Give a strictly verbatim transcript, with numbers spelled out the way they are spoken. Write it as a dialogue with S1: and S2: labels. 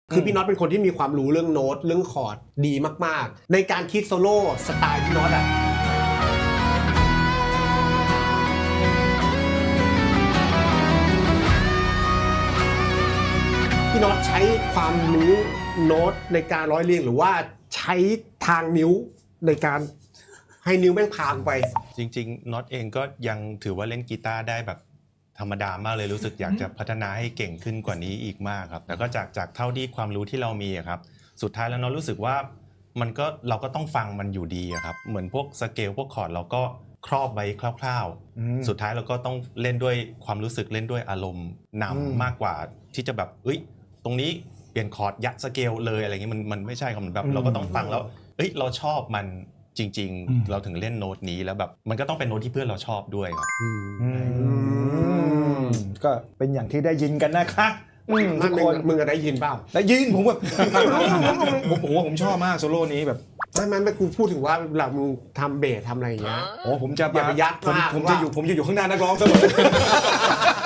S1: คือพี่น็อตเป็นคนที่มีความรู้เรื่องโน้ตเรื่องคอร์ดดีมากๆในการคิดโซโล่สไตล์พี่น็อตอ่ะพี่น็อตใช้ความรู้โน้ตในการร้อยเรียงหรือว่าใช้ทางนิ้วในการให้นิ้วแม่งพางไป
S2: จริงๆน็อตเองก็ยังถือว่าเล่นกีตาร์ได้แบบธรรมดามากเลยรู้สึกอยากจะพัฒนาให้เก่งขึ้นกว่านี้อีกมากครับแล้วก็จากจากเท่าที่ความรู้ที่เรามีครับสุดท้ายแล้วน็อตรู้สึกว่ามันก็เราก็ต้องฟังมันอยู่ดีครับเหมือนพวกสเกลพวกคอร์ดเราก็ครอบไว้คร่าวๆสุดท้ายเราก็ต้องเล่นด้วยความรู้สึกเล่นด้วยอารมณ์นำมากกว่าที่จะแบบเอ้ยตรงนี้เปลี่ยนคอร์ดยัดสเกลเลยอะไรเงี้ยมันมันไม่ใช่ครับมันแบบเราก็ต้องฟังแล้วเอ้ยเราชอบมันจริงๆเราถึงเล่นโน้ตนี้แล้วแบบมันก็ต้องเป็นโน้ตที่เพื่อนเราชอบด้วยครับ
S3: ก็เป็นอย่างที่ได้ยินกันนะคะทุกคน
S1: มึงได้ยินเปล่า
S3: ได้ยินผมแบบผมโอ้โหผมชอบมากโซโล่นี้แบบ
S1: ไม่ไม่ไม่กูพูดถึงว่าหลังมึงทำเบสทำอะไรอย่างเงี้ย
S3: โอ้ผมจะ
S1: อย่าไปยัดมาก
S3: ผมจะอยู่ผมจะอยู่ข้างหน้านักร้องเสมอ